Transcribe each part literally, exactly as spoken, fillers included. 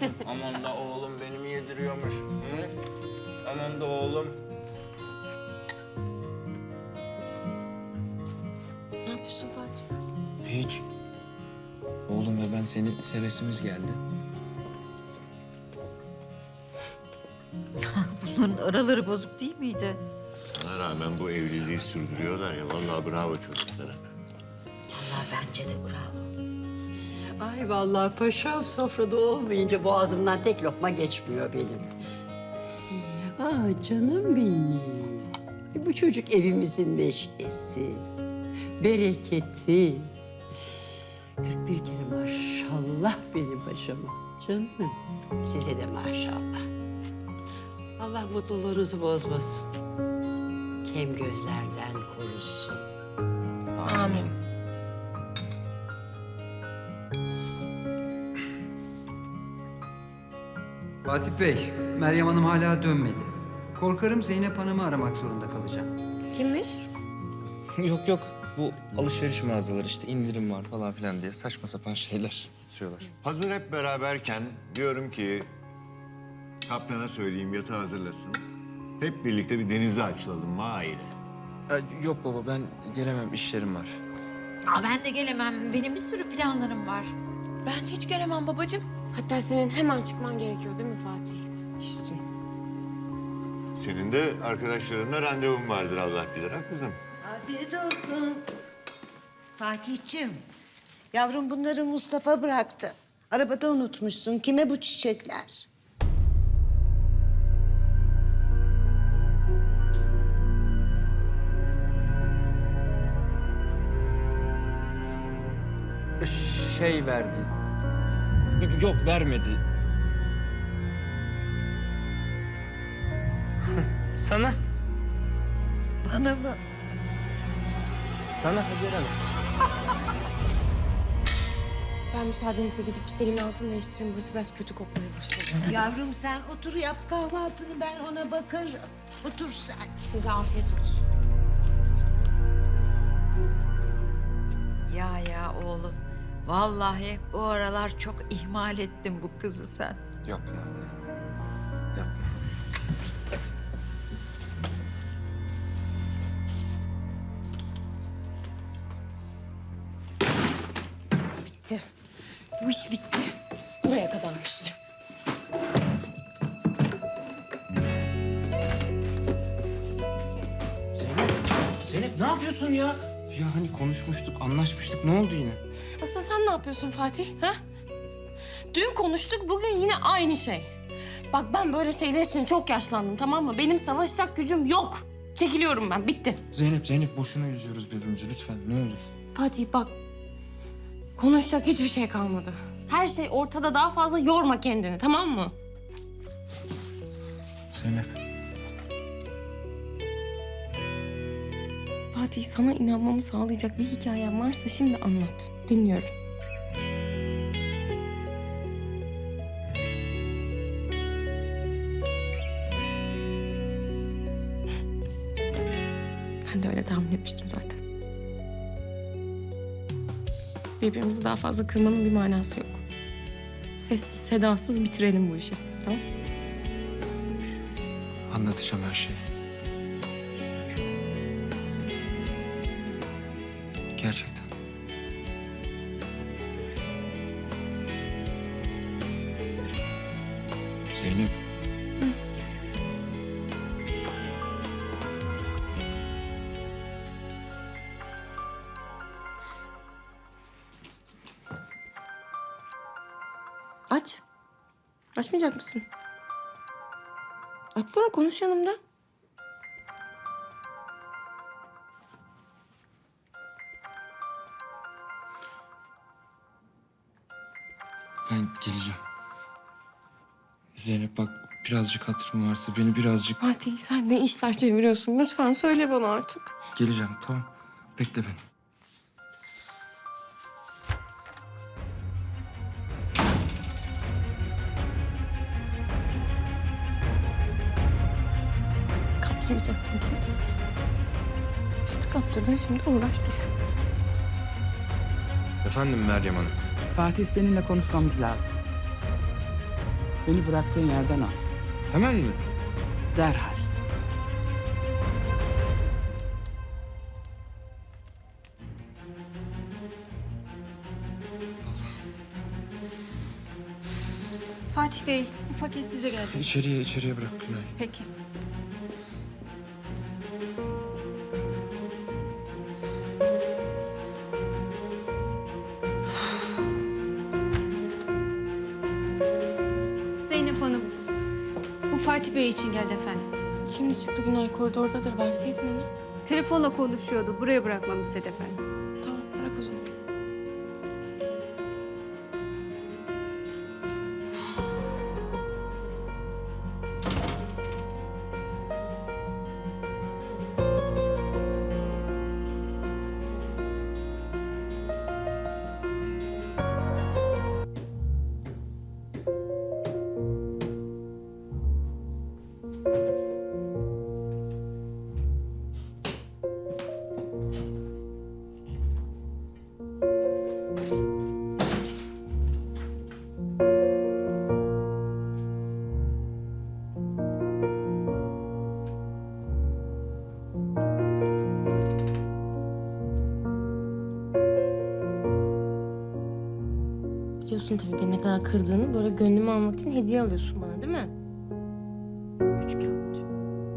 Aman da oğlum beni mi yediriyormuş? Hı? Aman da oğlum. Ne yapıyorsun Fatih? Hiç. Oğlum ve ben seni sevesimiz geldi. Bunların araları bozuk değil miydi? Sana rağmen bu evliliği sürdürüyorlar ya. Vallahi bravo çocuklara. Vallahi bence de bravo. Ay vallahi paşam sofrada olmayınca boğazımdan tek lokma geçmiyor benim. Ah canım benim. Bu çocuk evimizin neşesi, bereketi. Kırk bir kere maşallah benim paşama. Canım size de maşallah. Allah mutluluğunuzu bozmasın. Kem gözlerden korusun. Amin. Fatih Bey, Meryem Hanım hala dönmedi. Korkarım Zeynep Hanım'ı aramak zorunda kalacağım. Kimmiş? Yok yok. Bu alışveriş mağazaları işte indirim var falan filan diye saçma sapan şeyler tutuyorlar. Hazır hep beraberken diyorum ki kaptana söyleyeyim yatağı hazırlasın. Hep birlikte bir denize açılalım aile. Ee, yok baba ben gelemem işlerim var. Aa, ben de gelemem. Benim bir sürü planlarım var. Ben hiç gelemem babacığım. Hatta senin hemen çıkman gerekiyor değil mi Fatih? İşte. Senin de arkadaşlarınla randevun vardır Allah bilir ha kızım. Afiyet olsun. Fatih'ciğim, yavrum bunları Mustafa bıraktı. Arabada unutmuşsun. Kime bu çiçekler? Şey verdi. Yok vermedi. Sana. Bana mı? Sana Hacer Hanım. Ben müsaadenizle gidip Selim'in altını değiştireyim. Burası biraz kötü kokmaya başladı. Yavrum sen otur yap kahvaltını, ben ona bakarım. Otur sen. Size afiyet olsun. Ya ya oğlum. Vallahi bu aralar çok ihmal ettin bu kızı sen. Yapma anne. Yapma. Bitti. Bu iş bitti. Buraya kadarmış. Zeynep. Zeynep ne yapıyorsun ya? Ya hani konuşmuştuk, anlaşmıştık. Ne oldu yine? Asıl sen ne yapıyorsun Fatih? Ha? Dün konuştuk, bugün yine aynı şey. Bak ben böyle şeyler için çok yaşlandım, tamam mı? Benim savaşacak gücüm yok. Çekiliyorum ben, bitti. Zeynep, Zeynep boşuna üzüyoruz birbirimizi lütfen ne olur. Fatih bak, konuşacak hiçbir şey kalmadı. Her şey ortada, daha fazla yorma kendini, tamam mı? Zeynep. Fatih, sana inanmamı sağlayacak bir hikayem varsa şimdi anlat. Dinliyorum. Ben de öyle tahmin etmiştim zaten. Birbirimizi daha fazla kırmanın bir manası yok. Sessiz, sedasız bitirelim bu işi, tamam? Anlatacağım her şeyi. Gerçekten. Zeynep. Aç. Açmayacak mısın? Açsana, konuş yanımda. Ben geleceğim. Zeynep bak birazcık hatırım varsa beni birazcık... Fatih, sen ne işler çeviriyorsun? Lütfen söyle bana artık. Geleceğim tamam. Bekle beni. Kaptırmayacaktın kendini. İşte kaptırdın, şimdi uğraş dur. Efendim Meryem Hanım. Fatih seninle konuşmamız lazım. Beni bıraktığın yerden al. Hemen mi? Derhal. Fatih Bey, bu paket size geldi. İçeriye, içeriye bırak Günay. Peki. Zeynep Hanım, bu Fatih Bey için geldi efendim. Şimdi çıktı Günay, koridordadır. Verseydin onu. Telefonla konuşuyordu, buraya bırakmamı istedi efendim. Tamam, bırak o zaman. Biliyorsun tabii beni ne kadar kırdığını, böyle gönlümü almak için hediye alıyorsun bana, değil mi? Üç kağıtçı.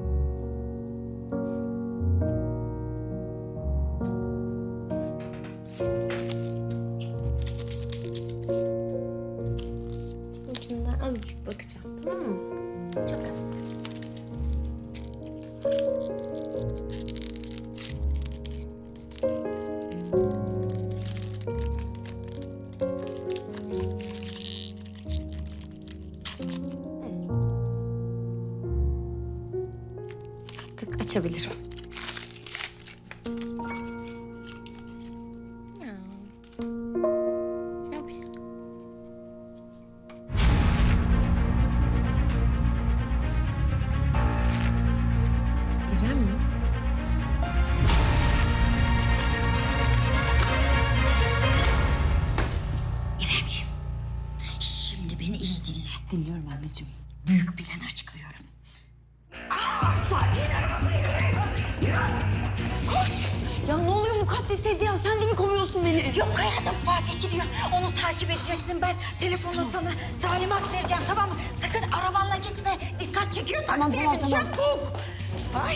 Ucundan azıcık bakacağım, tamam mı? Çok az. Artık açabilirim. Ya. Şey yapacağım. İrem mi? İremciğim, şimdi beni iyi dinle. Dinliyorum anneciğim. Büyük planı açıklıyorum. Aa, Fatih'in arabası yürüyor. Yürü. Koş. Ya ne oluyor mukaddes teyze ya? Sen de mi kovuyorsun beni? Yok hayatım, Fatih gidiyor. Onu takip edeceksin. Ben telefonla sana talimat vereceğim, tamam mı? Sakın arabanla gitme. Dikkat çekiyor Tamam, taksiye tamam, bin. tamam. Çabuk. Ay.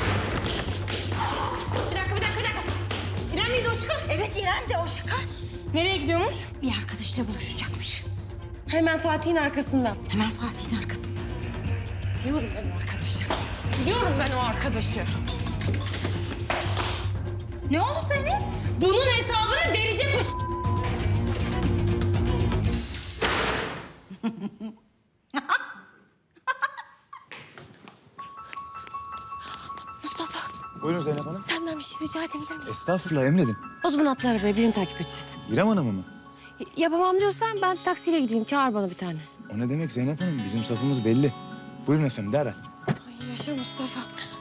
Bir dakika, bir dakika, bir dakika. İrem miydi o çıkan? Evet, İrem de o şıkar. Nereye gidiyormuş? Bir arkadaşıyla buluşacakmış. Hemen Fatih'in arkasından. Hemen Fatih'in arkasında. Biliyorum ben o arkadaşı. Biliyorum ben o arkadaşı. Ne oldu senin? Bunun hesabını verecek o ş- Mustafa, Buyurun Zeynep Hanım. senden bir şey rica edebilir miyim? Estağfurullah emredin. O zaman atla arabaya, birini takip edeceğiz. İrem Hanım'ı mı? Y- Yapamam diyorsan ben taksiyle gideyim. Çağır bana bir tane. O ne demek Zeynep Hanım? Bizim safımız belli. Buyurun efendim derhal. Ay yaşa Mustafa.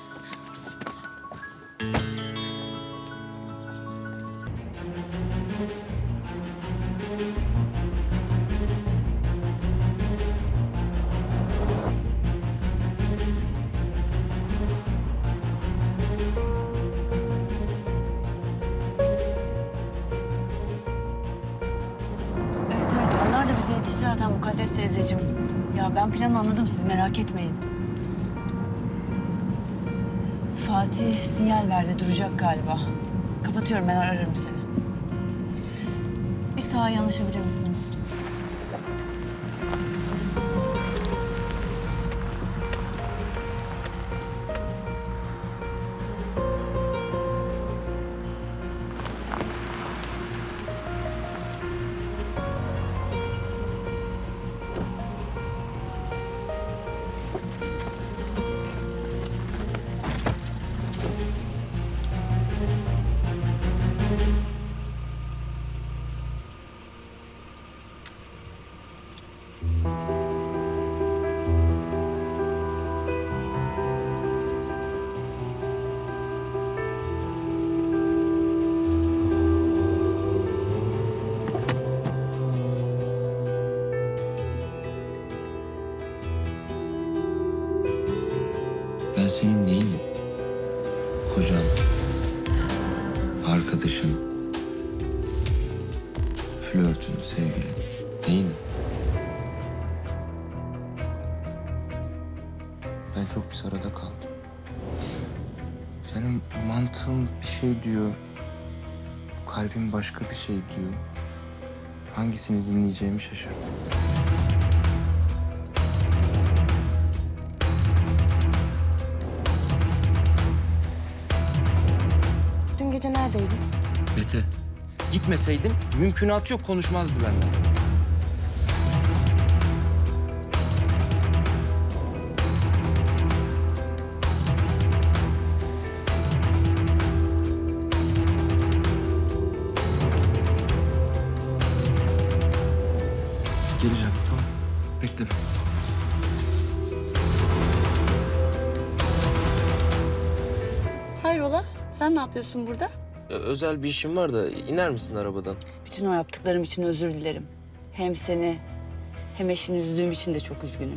Evet evet onlar da bize yetişti zaten mukaddes teyzeciğim. Ya ben planı anladım siz merak etmeyin. Fatih sinyal verdi duracak galiba. Kapatıyorum ben ararım seni. Bir sağa yanaşabilir misiniz? flörtün, sevgilin, neyini? Ben çok bir arada kaldım. Senin mantığın bir şey diyor. Kalbin başka bir şey diyor. Hangisini dinleyeceğimi şaşırdım. Dün gece neredeydin? Mete, gitmeseydim mümkünatı yok, konuşmazdı benden. Geleceğim, tamam. Bekle beni. Hayrola? Sen ne yapıyorsun burada? Özel bir işim var da iner misin arabadan? Bütün o yaptıklarım için özür dilerim. Hem seni hem eşini üzdüğüm için de çok üzgünüm.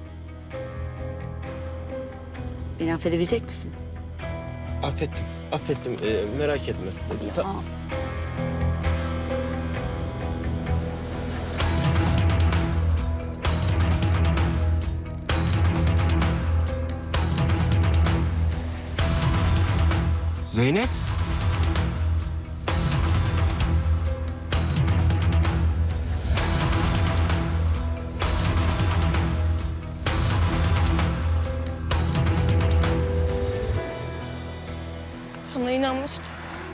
Beni affedebilecek misin? Affettim, affettim. Ee, merak etme. Ya. Ta- Zeynep. Sana inanmıştım.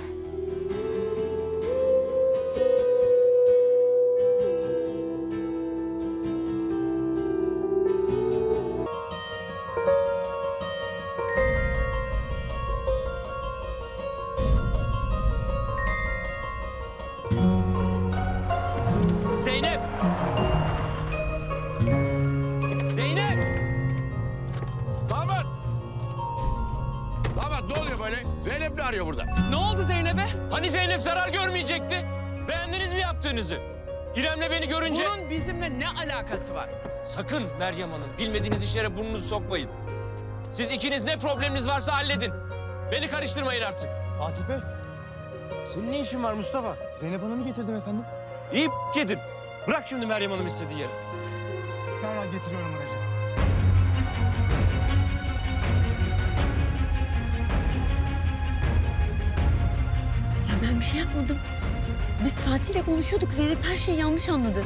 Zeynep! Zeynep! Damat! Damat ne oluyor böyle? Zeynep ne arıyor burada? Ne oldu Zeynep'e? Hani Zeynep zarar görmeyecekti? Beğendiniz mi yaptığınızı? İrem'le beni görünce... Bunun bizimle ne alakası var? Sakın Meryem Hanım, bilmediğiniz işlere burnunuzu sokmayın. Siz ikiniz ne probleminiz varsa halledin. Beni karıştırmayın artık. Fatih Bey, Senin ne işin var Mustafa? Zeynep Hanım'ı getirdim efendim. İyi gidin. Bırak şimdi Meryem Hanım istediği yere. Derhal getiriyorum aracı. Ya ben bir şey yapmadım. Biz Fatih'le konuşuyorduk. Zeynep her şeyi yanlış anladı.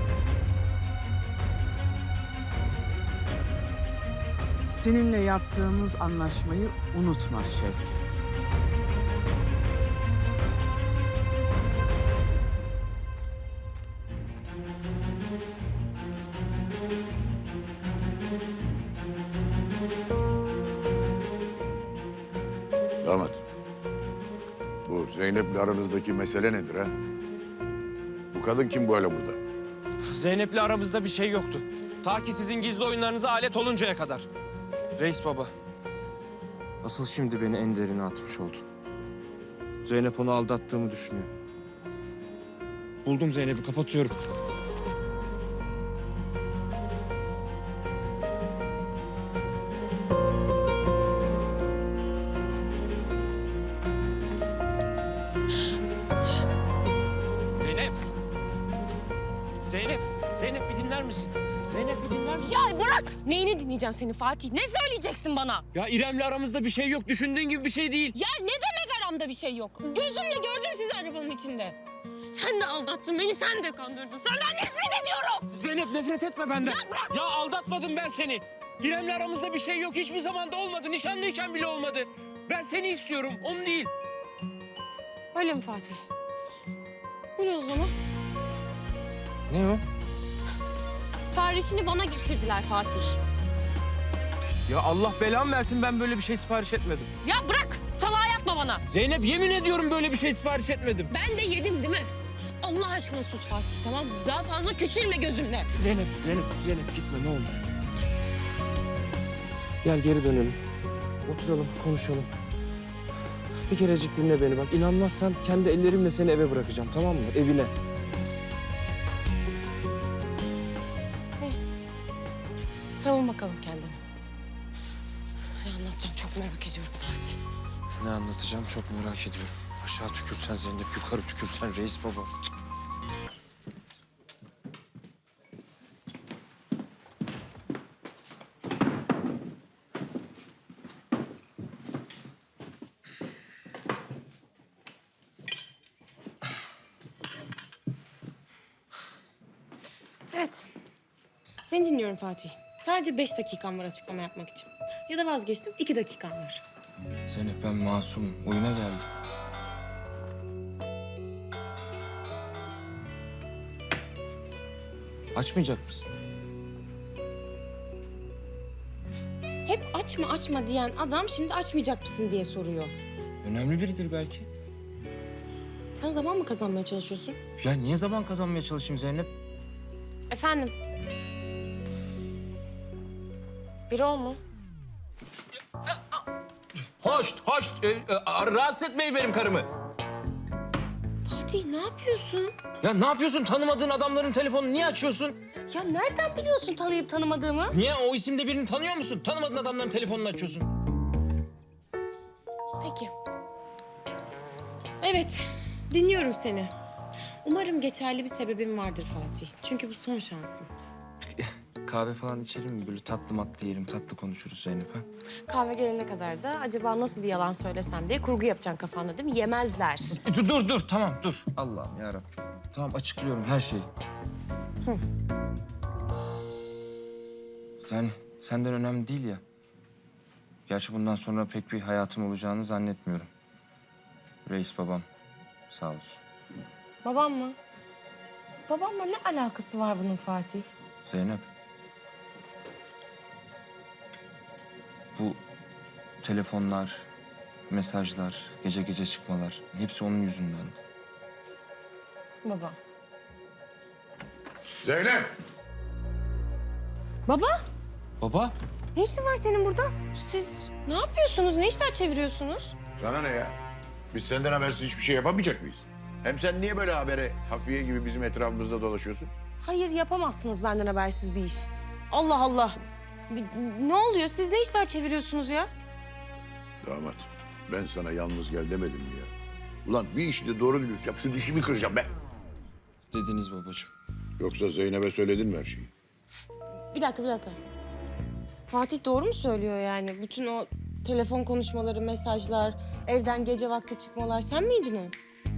Seninle yaptığımız anlaşmayı unutma Şevket. Damat. Bu Zeynep'le aranızdaki mesele nedir ha? Bu kadın kim böyle burada? Zeynep'le aramızda bir şey yoktu. Ta ki sizin gizli oyunlarınıza alet oluncaya kadar. Reis baba. Asıl şimdi beni en derine atmış oldu. Zeynep onu aldattığımı düşünüyor. Buldum Zeynep'i, kapatıyorum. Zeynep! Zeynep! Zeynep bir dinler misin? Zeynep bir dinler misin? Ya bırak! Neyini dinleyeceğim senin Fatih? Ne söyleyeceksin bana? Ya İrem'le aramızda bir şey yok. Düşündüğün gibi bir şey değil. Ya ne demek aramda bir şey yok? Gözümle gördüm sizi arabanın içinde. Sen de aldattın beni, sen de kandırdın. Senden nefret ediyorum! Zeynep nefret etme benden. Ya bırak! Ya aldatmadım ben seni. İrem'le aramızda bir şey yok. Hiçbir zaman da olmadı. Nişanlıyken bile olmadı. Ben seni istiyorum, onu değil. Öyle mi Fatih? Bu ne o zaman? Ne o? Siparişini bana getirdiler Fatih. Ya Allah belamı versin, ben böyle bir şey sipariş etmedim. Ya bırak! Salağa yapma bana. Zeynep yemin ediyorum böyle bir şey sipariş etmedim. Ben de yedim değil mi? Allah aşkına sus Fatih, tamam mı? Daha fazla küçülme gözümle. Zeynep, Zeynep, Zeynep gitme ne olur. Gel geri dönelim. Oturalım, konuşalım. Bir kerecik dinle beni bak. İnanmazsan kendi ellerimle seni eve bırakacağım, tamam mı? Evine. Savun bakalım kendini. Ne anlatacağım çok merak ediyorum Fatih. Ne anlatacağım çok merak ediyorum. Aşağı tükürsen Zeynep, yukarı tükürsen Reis baba. Cık. Evet. Seni dinliyorum Fatih. Sadece beş dakikam var açıklama yapmak için. Ya da vazgeçtim, iki dakikam var. Zeynep ben masumum. Oyuna geldim. Açmayacak mısın? Hep açma açma diyen adam şimdi açmayacak mısın diye soruyor. Önemli biridir belki. Sen zaman mı kazanmaya çalışıyorsun? Ya niye zaman kazanmaya çalışayım Zeynep? Efendim? Biri ol mu? Hoş, hoş. Ee, e, rahatsız etmeyin benim karımı. Fatih ne yapıyorsun? Ya ne yapıyorsun? Tanımadığın adamların telefonunu niye açıyorsun? Ya nereden biliyorsun tanıyıp tanımadığımı? Niye? O isimde birini tanıyor musun? Tanımadığın adamların telefonunu açıyorsun. Peki. Evet, dinliyorum seni. Umarım geçerli bir sebebin vardır Fatih. Çünkü bu son şansın. Kahve falan içelim mi? Böyle tatlı matlı yiyelim, tatlı konuşuruz Zeynep ha? Kahve gelene kadar da acaba nasıl bir yalan söylesem diye kurgu yapacaksın kafanda değil mi? Yemezler. E, Dur, dur, dur. Tamam, dur. Allah'ım yarabbim. Tamam, açıklıyorum her şeyi. Hı. Yani senden önemli değil ya. Gerçi bundan sonra pek bir hayatım olacağını zannetmiyorum. Reis babam sağ olsun. Babam mı? Babamla ne alakası var bunun Fatih? Zeynep. Bu telefonlar, mesajlar, gece gece çıkmalar hepsi onun yüzünden. Baba. Zeynep! Baba? Baba? Ne işin var senin burada? Siz ne yapıyorsunuz? Ne işler çeviriyorsunuz? Sana ne ya? Biz senden habersiz hiçbir şey yapamayacak mıyız? Hem sen niye böyle habere hafiye gibi bizim etrafımızda dolaşıyorsun? Hayır yapamazsınız benden habersiz bir iş. Allah Allah. Ne- Ne oluyor? Siz ne işler çeviriyorsunuz ya? Damat, ben sana yalnız gel demedim mi ya? Ulan bir işi de doğru dürüst yap, şu dişimi kıracağım ben. Dediniz babacığım. Yoksa Zeynep'e söyledin mi her şeyi? Bir dakika, bir dakika. Fatih doğru mu söylüyor yani? Bütün o telefon konuşmaları, mesajlar, evden gece vakti çıkmalar sen miydin o?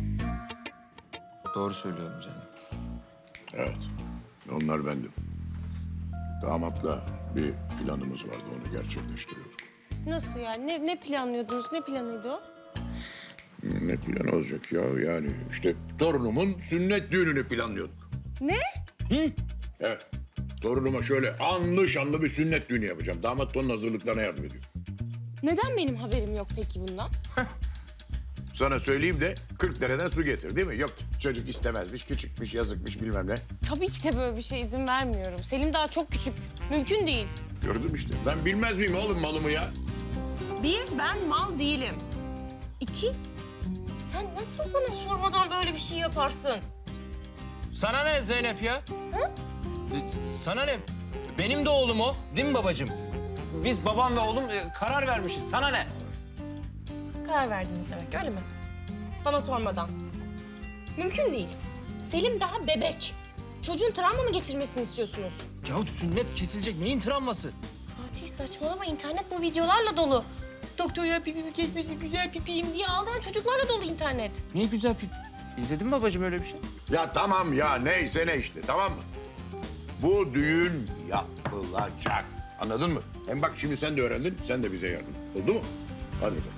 Doğru söylüyorum canım. Evet, onlar bendim. Damatla bir planımız vardı, onu gerçekleştiriyorduk. Nasıl yani? Ne, ne planlıyordunuz? Ne planıydı o? Ne plan olacak ya? Yani işte torunumun sünnet düğününü planlıyorduk. Ne? Evet, torunuma şöyle anlı şanlı bir sünnet düğünü yapacağım. Damat da onun hazırlıklarına yardım ediyor. Neden benim haberim yok peki bundan? Sana söyleyeyim de kırk dereden su getir değil mi? Yok çocuk istemezmiş, küçükmüş, yazıkmış bilmem ne. Tabii ki de böyle bir şey izin vermiyorum. Selim daha çok küçük. Mümkün değil. Gördüm işte. Ben bilmez miyim oğlum malımı ya? Bir, ben mal değilim. İki, sen nasıl bana sormadan böyle bir şey yaparsın? Sana ne Zeynep ya? Hı? Sana ne? Benim de oğlum o, değil mi babacığım? Biz babam ve oğlum e, karar vermişiz. Sana ne? Karar verdiniz demek öyle mi? Bana sormadan. Mümkün değil. Selim daha bebek. Çocuğun travma mı geçirmesini istiyorsunuz? Ya sünnet kesilecek. Neyin travması? Fatih saçmalama, internet bu videolarla dolu. Doktor ya pipimi kesmesi güzel pipiyim diye ağlayan çocuklarla dolu internet. Niye güzel pip? İzledin mi babacığım öyle bir şey? Ya tamam ya neyse ne işte tamam mı? Bu düğün yapılacak. Anladın mı? Hem bak şimdi sen de öğrendin, sen de bize yardım. Oldu mu? Hadi bakalım.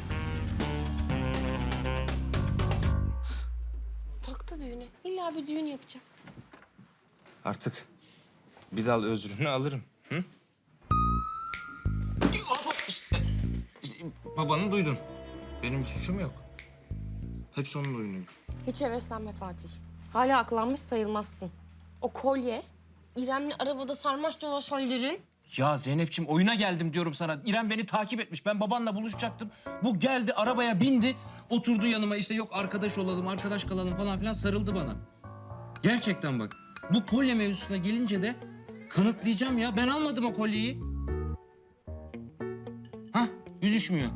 Taktı düğüne. İlla bir düğün yapacak. Artık bir dal özrünü alırım. Hı? İşte, işte, babanı duydun. Benim bir suçum yok. Hepsi onun oyunu. Hiç heveslenme Fatih. Hala aklanmış sayılmazsın. O kolye, İrem'le arabada sarmaş dolaş hallerin. Ya Zeynep'ciğim oyuna geldim diyorum sana. İrem beni takip etmiş. Ben babanla buluşacaktım. Bu geldi arabaya bindi. Oturdu yanıma işte yok arkadaş olalım, arkadaş kalalım falan filan sarıldı bana. Gerçekten bak. Bu kolye mevzusuna gelince de kanıtlayacağım ya. Ben almadım o kolyeyi. Hah, yüzüşmüyor.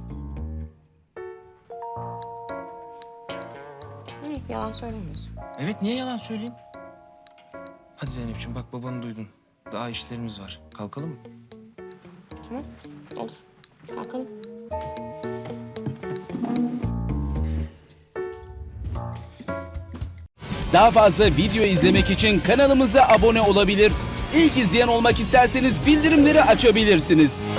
İyi, yalan söylemiyorsun. Evet, niye yalan söyleyeyim? Hadi Zeynep'ciğim bak babanı duydun. Daha işlerimiz var. Kalkalım mı? Tamam, olur. Kalkalım. Daha fazla video izlemek için kanalımıza abone olabilir. İlk izleyen olmak isterseniz bildirimleri açabilirsiniz.